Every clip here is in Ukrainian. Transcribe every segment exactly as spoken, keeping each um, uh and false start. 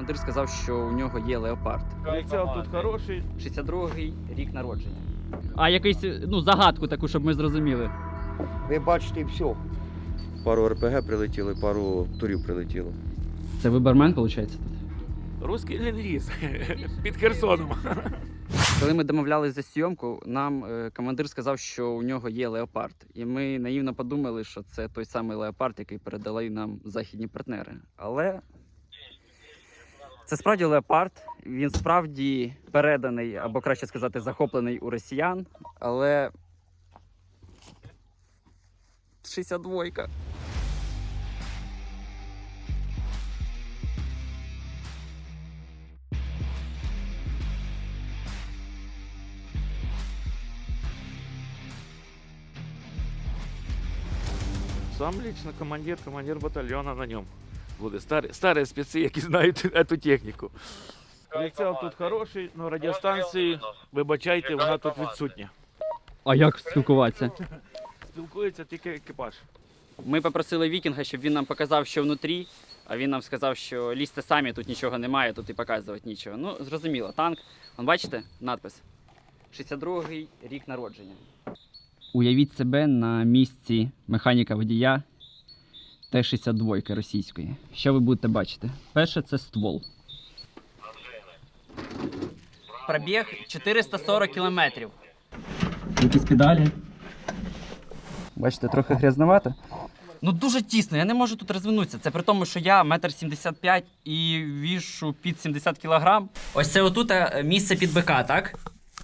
командир сказав, що у нього є леопард. Прицел тут хороший. шістдесят другий рік народження. А якийсь, ну, загадку таку, щоб ми зрозуміли. Ви бачите все. Пару ар пе ге прилетіли, пару турів прилетіло. Це ви бармен, виходить, тут? Русський ленд-ліз під Херсоном. Коли ми домовлялися за зйомку, нам е, командир сказав, що у нього є леопард. І ми наївно подумали, що це той самий леопард, який передали нам західні партнери. Але це справді леопард. Він справді переданий, або краще сказати, захоплений у росіян. Але шістдесят двойка. Сам лично командир, командир батальйону на ньому буде. Старі, старі спеці, які знають цю техніку. Прицел тут хороший, але радіостанції, вибачайте, вона тут відсутня. А як спілкуватися? Спілкується тільки екіпаж. Ми попросили Вікінга, щоб він нам показав, що внутрі, а він нам сказав, що лізьте самі, тут нічого немає, тут і показувати нічого. Ну, зрозуміло, танк. Вон, бачите, надпис? шістдесят другий рік народження. Уявіть себе на місці механіка-водія Т шістдесят два російської. Що ви будете бачити? Перше – це ствол. Пробіг чотириста сорок кілометрів. Якісь педалі. Бачите, трохи грязновато. Ну дуже тісно, я не можу тут розвинутися. Це при тому, що я метр сімдесят п'ять і вішу під сімдесят кілограм. Ось це отут е, місце під бика, так?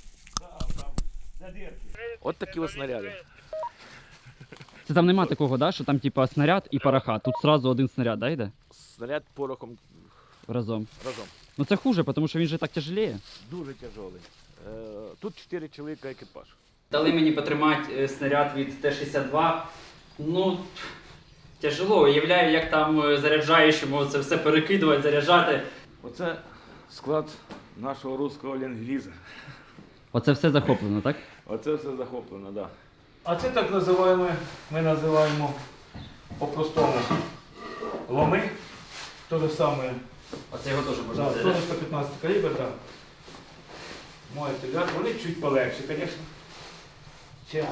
От такі ось снаряди. Це там нема такого, да, що там типа снаряд і пороха. Тут сразу один снаряд, да, йде? Снаряд порохом Разом. разом. Ну це хуже, тому що він же так тяжеліє. Дуже тяжелий. Е, Тут чотири чоловіка екіпаж. Дали мені потримати снаряд від Т шістдесят два. Ну, тяжело. Уявляю, як там заряджаючому це все перекидувати, заряджати. Оце склад нашого руського ленд-ліза. Оце все захоплено, так? Оце все захоплено, так. Да. А це так називаємо, ми називаємо по-простому ломи. То же саме. Оце його теж можна Да, заряджати. сто п'ятнадцять калібр, так. Можете взяти, вони чуть полегші, звісно. Ще.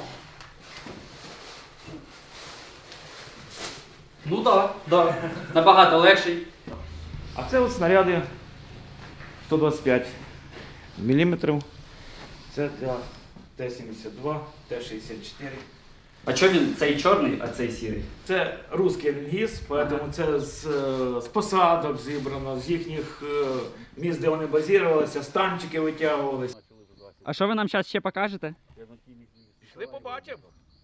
Ну так, да, да. Набагато легший. А це от снаряди сто двадцять п'ять міліметрів. Це для Т сімдесят два, Т шістдесят чотири. А чого він цей чорний, а цей сірий? Це русський ленд-ліз, тому це з, е, з посадок зібрано, з їхніх е, місць, де вони базувалися, станчики витягувалися. А що ви нам зараз ще покажете? Пішли побачимо.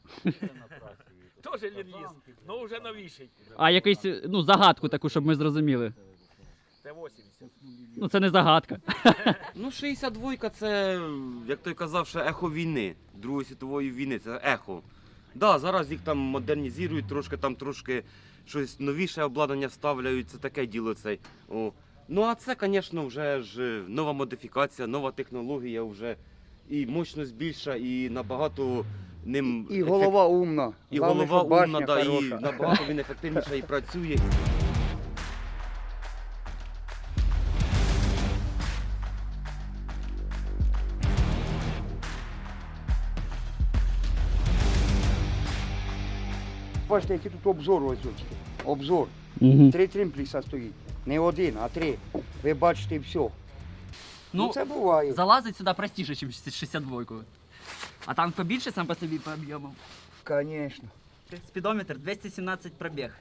Теж ленд-ліз, але вже новіший. А якийсь, ну, загадку таку, щоб ми зрозуміли. Т вісімдесят. Ну це не загадка. Ну, шістдесят два це, як той казав, ще ехо війни, Другої світової війни, це ехо. Да, зараз їх там модернізують, трошки там трошки щось новіше обладнання ставляють, це таке діло цей. О. Ну а це, звісно, вже ж нова модифікація, нова технологія вже. І мощність більша, і набагато ним І голова умна. і Главне, голова щоб башня умна, да, і хороша. набагато він ефективніше і працює. Бачите, який тут обзор ось ось. Обзор. Угу. Три тримпліса стоїть. Не один, а три. Ви бачите все. Ну, Ну, це буває. залазить сюди простіше, ніж шістдесят два. А танк побільше сам по собі по об'єму. Звісно. Спідометр двісті сімнадцять пробіг.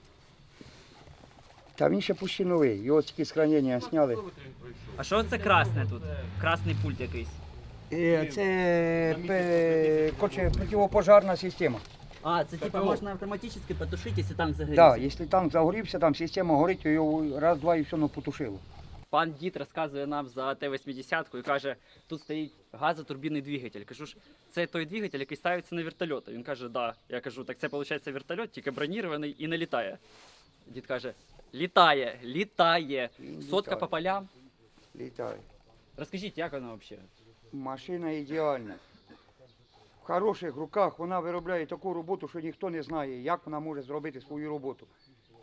Та він ще почти новий. Його тільки з хранення зняли. А що це красне тут? Красний пульт якийсь. Е, Це пе- коротше, противопожарна система. А, це типа можна автоматично потушити, якщо танк Так, загорівся. да, якщо танк загорівся, там система горить, то його раз-два і все ну, потушило. Пан дід розказує нам за Т вісімдесят і каже, тут стоїть газотурбінний двигатель. Кажу ж, це той двигатель, який ставиться на вертольоти. Він каже, да. Я кажу, так це виходить вертольот, тільки бронірований і не літає. Дід каже, літає, літає. Сотка Літає. по полям. Літає. Розкажіть, як вона взагалі? Машина ідеальна. В хороших руках вона виробляє таку роботу, що ніхто не знає, як вона може зробити свою роботу.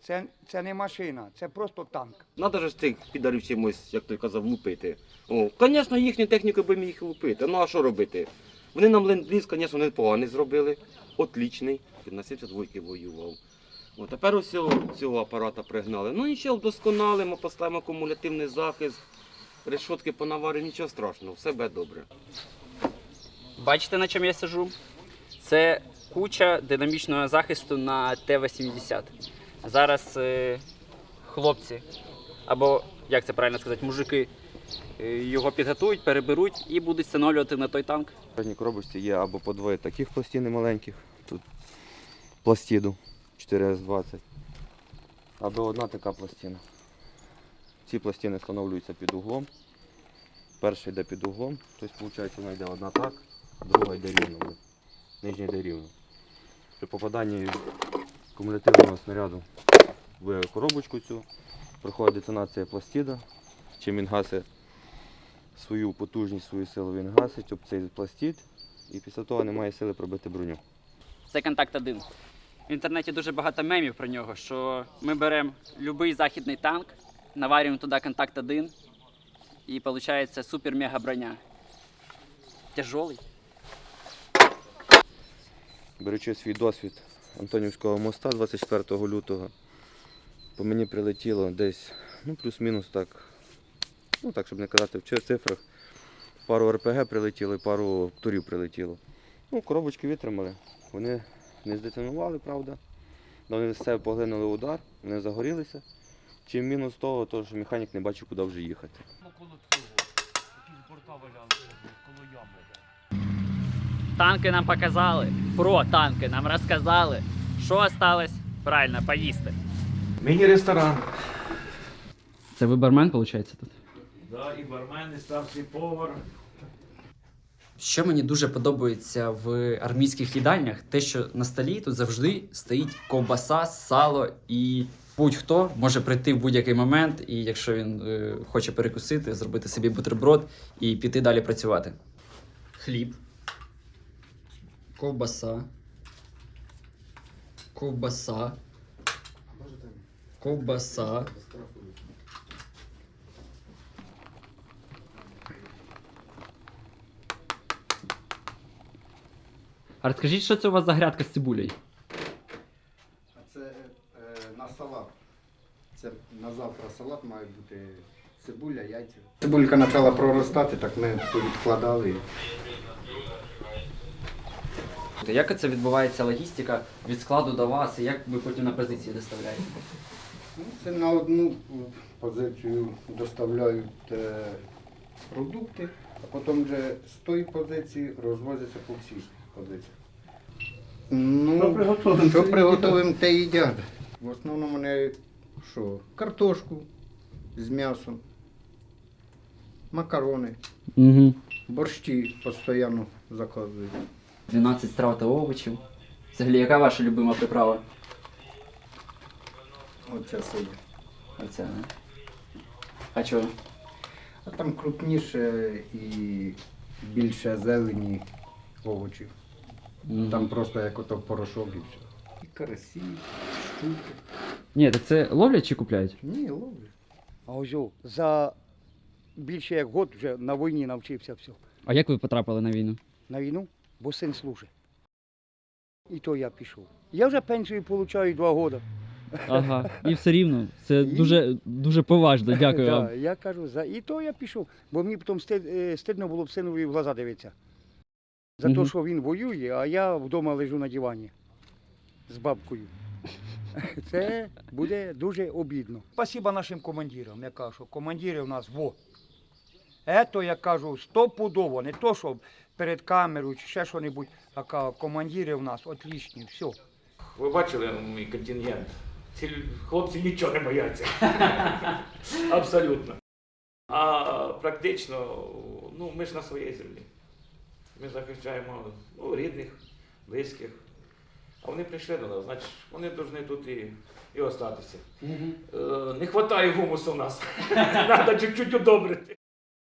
Це, це не машина, це просто танк. Надо ж цих підарів чимось, як той казав, лупити. О, звісно, їхню техніку би міг лупити. Ну а що робити? Вони нам ленд-ліз, звісно, непоганий зробили. Отлічний. На сімдесят двойки воював. О, тепер ось цього, цього апарата пригнали. Ну і ще вдосконалимо, поставимо кумулятивний захист, решотки понаваримо, нічого страшного, все буде добре. Бачите, на чому я сижу? Це куча динамічного захисту на Т вісімдесят. Зараз е, хлопці, або, як це правильно сказати, мужики, е, його підготують, переберуть і будуть встановлювати на той танк. В кожній коробочці є або по двоє таких пластин маленьких, тут пластиду чотири ес двадцять, або одна така пластина. Ці пластини встановлюються під углом. Перша йде під углом, тобто виходить, вона йде одна так, а друга йде рівно. Нижня йде рівно. При попаданні кумулятивного снаряду в коробочку цю проходить детонація пластида. Чим він гасить свою потужність, свою силу, він гасить об цей пластид і після того немає сили пробити броню. Це контакт один. В інтернеті дуже багато мемів про нього, що ми беремо будь-який західний танк, наварюємо туди контакт один і виходить супер-мега броня. Тяжелий. Беручи свій досвід Антонівського моста двадцять четвертого лютого, по мені прилетіло десь, ну плюс-мінус так, ну так, щоб не казати в цифрах, пару ар пе ге прилетіло і пару турів прилетіло. Ну, коробочки витримали, вони не здетонували, правда, але вони з себе поглинули удар, вони загорілися. Чим мінус того, то, що механік не бачив, куди вже їхати. Танки нам показали, про танки нам розказали. Що осталось? Правильно, поїсти. Міні-ресторан. Це ви бармен, виходить, тут? Да, і бармен, і старший повар. Що мені дуже подобається в армійських їдальнях, те, що на столі тут завжди стоїть ковбаса, сало, і будь-хто може прийти в будь-який момент, і якщо він е, хоче перекусити, зробити собі бутерброд і піти далі працювати. Хліб, ковбаса, ковбаса, ковбаса. А розкажіть, що це у вас за грядка з цибулею? Це е, на салат. Це на завтра салат має бути цибуля, яйця. Цибулька почала проростати, так ми тут відкладали. Як це відбувається логістика від складу до вас, і як ви потім на позиції доставляєте? Ну, це на одну позицію доставляють е, продукти, а потім вже з тої позиції розвозяться по всіх позиціях. Ну, що приготуємо, що приготуємо, те їдять. В основному вони що? Картошку з м'ясом, макарони, Угу. борщі постійно заказують. дванадцять страв та овочів. Взагалі, яка ваша любима приправа? Оце сидять. Оця, не? А чого? А там крупніше і більше зелені овочів. Мгм. Там просто як ото порошок і все. І карасі, щуки. Ні, так це ловлять чи купляють? Ні, ловлять. А ось о, за більше як год вже на війні навчився все. А як ви потрапили на війну? На війну, бо син служить. І то я пішов. Я вже пенсію отримую два роки. Ага, і все рівно. Це І- дуже, дуже поважно, дякую вам. Да, я кажу, за... і то я пішов, бо мені потім стид... е, стидно було б синові в глаза дивитися. За те, Мгм. що він воює, а я вдома лежу на дивані з бабкою. Це буде дуже обідно. Спасибо нашим командирам. Я кажу, що командири у нас во. Ето, я кажу, стопудово, не то, що перед камерою чи ще що-небудь, а кажу, командири у нас отлічні, все. Ви бачили мій контингент? Ці хлопці нічого не бояться. Абсолютно. А практично, ну, ми ж на своїй землі. Ми захищаємо ну, рідних, близьких. А вони прийшли до нас, значить, вони повинні тут і, і остатися. Е, не вистачає гумусу в нас. Треба чуть-чуть удобрити.